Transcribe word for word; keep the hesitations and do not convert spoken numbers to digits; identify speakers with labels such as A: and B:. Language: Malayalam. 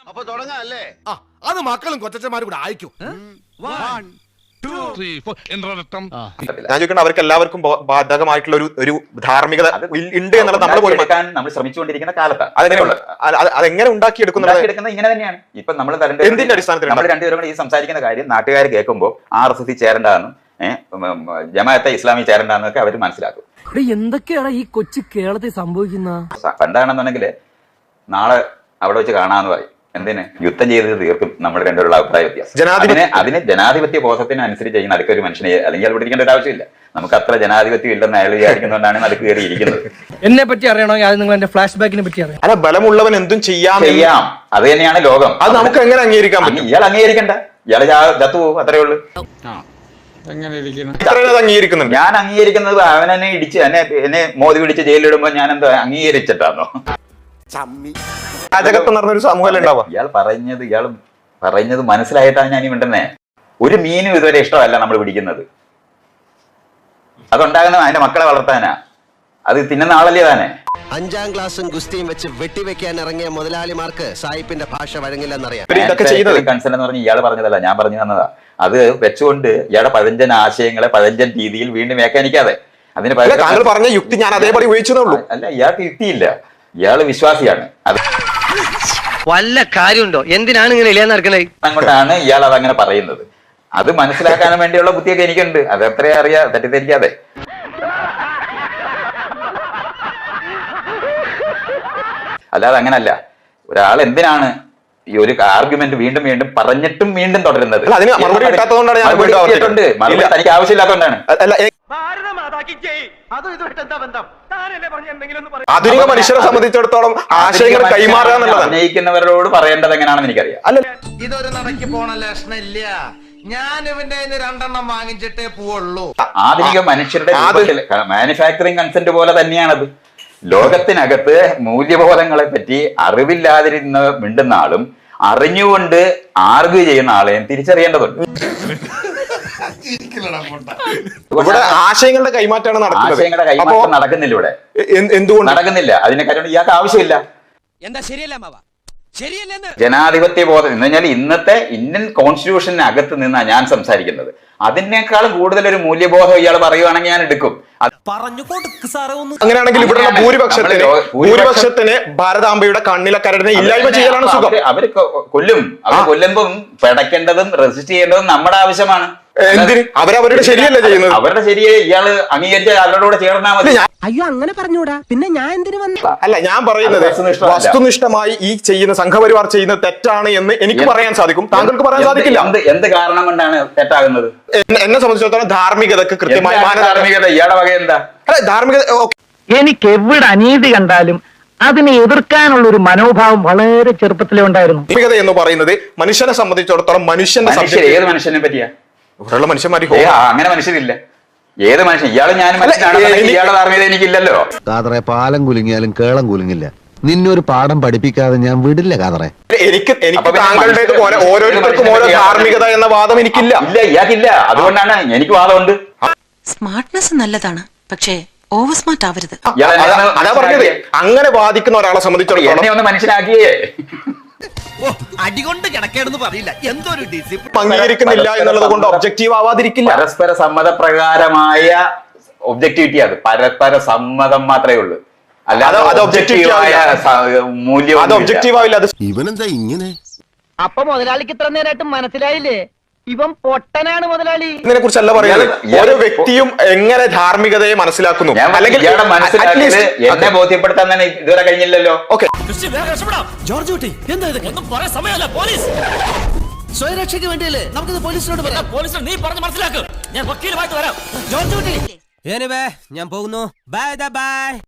A: അപ്പൊ തുടങ്ങാം അല്ലേ?
B: ആ അത് മക്കളും കൊച്ചന്മാരും കൂടെ അയക്കും.
C: ഞാൻ ചോദിക്കുന്നത് അവർക്ക് എല്ലാവർക്കും ബാധകമായിട്ടുള്ള ഒരു ഒരു ധാർമ്മികത ഉണ്ട് എന്നുള്ളത് നമ്മൾ പോലും
D: നമ്മൾ ശ്രമിച്ചുകൊണ്ടിരിക്കുന്ന കാലത്താണ്.
C: അതെങ്ങനെയുള്ള അതെങ്ങനെ ഉണ്ടാക്കിയെടുക്കുന്നത്
D: ഇങ്ങനെ തന്നെയാണ്. ഇപ്പൊ നമ്മൾ
C: എന്തിന്റെ അടിസ്ഥാനത്തിൽ
D: നമ്മൾ രണ്ടുപേരും കൂടി ഈ സംസാരിക്കുന്ന കാര്യം നാട്ടുകാർ കേൾക്കുമ്പോൾ ആർ എസ് എസ് ചേരേണ്ടതെന്ന് ജമാഅത്തെ ഇസ്ലാമി ചേരേണ്ടതെന്നൊക്കെ അവർ മനസ്സിലാക്കും.
E: എന്തൊക്കെയാണ് ഈ കൊച്ചു കേരളത്തിൽ സംഭവിക്കുന്ന?
D: പണ്ടാണെന്നുണ്ടെങ്കിൽ നാളെ അവിടെ വെച്ച് കാണാന്ന് പറയും. എന്തിന്? യുദ്ധം ചെയ്ത് തീർക്കും നമ്മൾ രണ്ടുപേരുള്ള അഭിപ്രായ വ്യത്യാസം. അതിന് അതിന് ജനാധിപത്യ ബോധത്തിനനുസരിച്ച് ചെയ്യുന്ന അടുക്കൊരു മനുഷ്യനെ അല്ലെങ്കിൽ അവിടെ ഇരിക്കേണ്ട ഒരു ആവശ്യമില്ല. നമുക്ക് അത്ര ജനാധിപത്യം ഇല്ലെന്ന് അയാൾ വിചാരിക്കുന്നതുകൊണ്ടാണ് നടുക്ക് കയറി ഇരിക്കുന്നത്.
E: എന്നെ പറ്റി അറിയണോ? നിങ്ങൾ എന്റെ ഫ്ലാഷ് ബാക്കിനെ പറ്റി അറിയാം.
C: അല്ല, ബലമുള്ളവൻ എന്തും ചെയ്യാം
D: ചെയ്യാം. അത് തന്നെയാണ് ലോകം.
C: അത് നമുക്ക് എങ്ങനെ അംഗീകരിക്കാൻ പറ്റും?
D: ഇയാൾ അംഗീകരിക്കണ്ട, ഇയാൾ ചത്തു പോകും, അത്രേ ഉള്ളൂ.
C: അംഗീകരിക്കുന്നുണ്ട്.
D: ഞാൻ അംഗീകരിക്കുന്നത് അവനെന്നെ ഇടിച്ച് എന്നെ എന്നെ മോദി പിടിച്ച് ജയിലിടുമ്പോ ഞാൻ എന്താ അംഗീകരിച്ചിട്ടാണോ?
C: രാജകത്വം നടന്നൊരു സമൂഹം ഉണ്ടാവുക.
D: ഇയാൾ പറഞ്ഞത് ഇയാൾ പറഞ്ഞത് മനസ്സിലായിട്ടാണ് ഞാൻ ഈ മിണ്ടുന്നേ. ഒരു മീനും ഇതുവരെ ഇഷ്ടമല്ല നമ്മൾ പിടിക്കുന്നത്. അതുണ്ടാകുന്ന അതിന്റെ മക്കളെ വളർത്താനാ. അത് തിന്നുന്ന ആളല്ലേ താനെ.
A: അഞ്ചാം ക്ലാസ്സും ഗുസ്തിയും വെച്ച് വെട്ടിവെക്കാൻ ഇറങ്ങിയ മുതലാളിമാർക്ക് സായിപ്പിന്റെ ഭാഷ വഴങ്ങില്ലെന്നറിയാം.
D: കൺസേൺ എന്ന് പറഞ്ഞ് ഇയാൾ പറഞ്ഞതല്ല, ഞാൻ പറഞ്ഞു തന്നതാ. അത് വെച്ചുകൊണ്ട് ഇയാളുടെ പഴഞ്ചൻ ആശയങ്ങളെ പഴഞ്ചൻ രീതിയിൽ വീണ്ടും വ്യാഖ്യാനിക്കാതെ അതിന്
C: താങ്കൾ പറഞ്ഞ യുക്തി ഞാൻ അതേപടി ഉപയോഗിച്ചതേ.
D: അല്ല, ഇയാൾക്ക് യുക്തിയില്ല, ഇയാള് വിശ്വാസിയാണ്. അത്
E: വല്ല കാര്യമുണ്ടോ? എന്തിനാണ് ഇങ്ങനെ ഇല്ലാന്ന് നടക്കുന്നത്?
D: അങ്ങോട്ടാണ് ഇയാൾ അതങ്ങനെ പറയുന്നത്. അത് മനസ്സിലാക്കാൻ വേണ്ടിയുള്ള ബുദ്ധിയൊക്കെ എനിക്കുണ്ട്. അത് എത്രയും അറിയാ, തെറ്റിദ്ധരിക്കാതെ. അല്ലാതെ അങ്ങനല്ല. ഒരാൾ എന്തിനാണ് ഈ ഒരു ആർഗ്യുമെന്റ് വീണ്ടും വീണ്ടും പറഞ്ഞിട്ടും വീണ്ടും തുടരുന്നത്? തനിക്ക് ആവശ്യമില്ലാത്തതുകൊണ്ടാണ്.
C: ആധുനിക മനുഷ്യരെ സംബന്ധിച്ചിടത്തോളം ആശയങ്ങൾ കൈമാറുക എന്നുള്ളത്
D: അഭിനയിക്കുന്നവരോട് പറയേണ്ടത് എങ്ങനെയാണെന്ന് എനിക്കറിയാം.
C: അല്ല,
B: ഇതൊരു നടക്കി പോണ ലക്ഷണില്ല. ഞാൻ ഇവന്റെ രണ്ടെണ്ണം വാങ്ങിച്ചിട്ടേ പോവുള്ളൂ.
D: ആധുനിക മനുഷ്യരുടെ മാനുഫാക്ചറിങ് കൺസെന്റ് പോലെ തന്നെയാണത്. ലോകത്തിനകത്ത് മൂല്യബോധങ്ങളെ പറ്റി അറിവില്ലാതിരുന്ന മിണ്ടുന്ന ആളും അറിഞ്ഞുകൊണ്ട് ആർഗ്യൂ ചെയ്യുന്ന ആളെയും തിരിച്ചറിയേണ്ടതുണ്ട്.
C: ഇവിടെ ആശയങ്ങളുടെ കൈമാറ്റമാണ് നടക്കുന്നത്.
D: ആശയങ്ങളുടെ കൈമാറ്റം നടക്കുന്നില്ല ഇവിടെ.
C: എന്തുകൊണ്ട്
D: നടക്കുന്നില്ല? അതിനെ കാര്യം ഇയാൾക്ക് ആവശ്യമില്ല.
E: എന്താ ശരിയല്ല മാവ?
D: ജനാധിപത്യ ബോധം എന്ന് പറഞ്ഞാൽ ഇന്നത്തെ ഇന്ത്യൻ കോൺസ്റ്റിറ്റ്യൂഷനകത്ത് നിന്നാണ് ഞാൻ സംസാരിക്കുന്നത്. അതിനേക്കാളും കൂടുതൽ ഒരു മൂല്യബോധം ഇയാൾ പറയുവാണെങ്കിൽ ഞാൻ എടുക്കും.
C: അങ്ങനെയാണെങ്കിൽ ഇവിടെ ഭൂരിപക്ഷത്തിന് ഭൂരിപക്ഷത്തിന് ഭാരതാംബയുടെ കണ്ണിലെ കരടിനെ ഇല്ലായ്മ ചെയ്യലാണ് സുഖം.
D: അവര് കൊല്ലും. അവർ കൊല്ലുമ്പം പിടയ്ക്കേണ്ടതും റെസിസ്റ്റ് ചെയ്യേണ്ടതും നമ്മുടെ ആവശ്യമാണ്.
C: എന്തിന്? അവരവരുടെ ശരിയല്ല ചെയ്യുന്നത്.
D: അവരുടെ ശരിയെ ഇയാള് അംഗീകരിച്ച അവരുടെ കൂടെ ചേർന്നാൽ മതി.
E: അയ്യോ, അങ്ങനെ പറഞ്ഞൂടാ. പിന്നെ ഞാൻ എന്തിനു വന്നു?
C: അല്ല, ഞാൻ പറയുന്നത് വസ്തുനിഷ്ഠമായി ഈ ചെയ്യുന്ന സംഘപരിവാർ ചെയ്യുന്നത് തെറ്റാണ് എന്ന് എനിക്ക് പറയാൻ സാധിക്കും, താങ്കൾക്ക് പറയാൻ സാധിക്കില്ല.
D: എന്ത് കാരണം കൊണ്ടാണ് തെറ്റാകുന്നത്?
C: എന്നെ സംബന്ധിച്ചിടത്തോളം ധാർമ്മികതക്ക് കൃത്യമായ
D: ധാർമ്മികത ഇയാളുടെ വക എന്താ?
C: അല്ല, ധാർമ്മികത
F: എനിക്ക് എവിടെ അനീതി കണ്ടാലും അതിനെ എതിർക്കാനുള്ള ഒരു മനോഭാവം വളരെ ചെറുപ്പത്തിലേ ഉണ്ടായിരുന്നു.
C: ധാർമ്മികത എന്ന് പറയുന്നത് മനുഷ്യനെ സംബന്ധിച്ചിടത്തോളം മനുഷ്യന്റെ
D: ഏത് മനുഷ്യനെ പറ്റിയാ?
C: ഇവിടെയുള്ള മനുഷ്യന്മാർ
D: അങ്ങനെ മനുഷ്യരില്ല. ഏത് മനുഷ്യൻ? ഇയാള് ഞാൻ ഇയാളുടെ ധാർമ്മികത എനിക്കില്ലല്ലോ.
G: കാതറെ പാലം കുലുങ്ങിയാലും കേളം കുലുങ്ങില്ല. നിന്നൊരു പാഠം പഠിപ്പിക്കാതെ ഞാൻ വിടില്ല കാതറെ.
C: എനിക്ക് എനിക്ക് താങ്കളുടേതുപോലെ ഓരോരുത്തർക്കും ഓരോ ധാർമ്മികത എന്ന വാദം എനിക്കില്ല.
D: ഇല്ല, ഇയാൾക്കില്ല. അതുകൊണ്ടാണ് എനിക്ക് വാദമുണ്ട്.
H: സ്മാർട്ട്നെസ് നല്ലതാണ്, പക്ഷേ ഓവർ സ്മാർട്ട് ആവരുത്.
C: അതാ പറഞ്ഞത്. അങ്ങനെ വാദിക്കുന്ന ഒരാളെ സംബന്ധിച്ചിടത്തോളം
D: എന്നെ ഒന്ന് മനസ്സിലാക്കിയേ.
B: അടികൊണ്ട് കിടക്കേണ്ടെന്ന് പറയില്ല. എന്തൊരു ഡിസിപ്ലിൻ
C: അംഗീകരിക്കുന്നില്ല എന്നുള്ളത് കൊണ്ട് ഒബ്ജക്റ്റീവ് ആവാതിരിക്കില്ല.
D: പരസ്പര സമ്മതപ്രകാരമായ ഒബ്ജക്ടിവിറ്റി, അത് പരസ്പര സമ്മതം മാത്രമേ ഉള്ളൂ. അല്ലാതെ
G: ഇവനെന്താ ഇങ്ങനെ?
F: അപ്പൊ മുതലാളിക്ക് ഇത്ര നേരമായിട്ട് മനസ്സിലായില്ലേ? ഇവൻ പൊട്ടനാണ് മുതലാളി.
C: ഇതിനെ കുറിച്ചല്ല പറയുന്നത്. ഓരോ വ്യക്തിയും എങ്ങനെ ധാർമ്മികതയെ മനസ്സിലാക്കുന്നു, അല്ലെങ്കിൽ
D: എന്നെ ബോധ്യപ്പെടുത്താൻ തന്നെ ഇതുവരെ കഴിഞ്ഞില്ലല്ലോ.
C: ഓക്കെ,
E: സ്വയരക്ഷയ്ക്ക് വേണ്ടിയല്ലേ നമുക്കിത് പോലീസിനോട് പറയാം. പോലീസിനോട് നീ പറഞ്ഞ് മനസ്സിലാക്കും. ഞാൻ വക്കീലുമായിട്ട് വരാം. ഞാൻ പോകുന്നു. Bye by.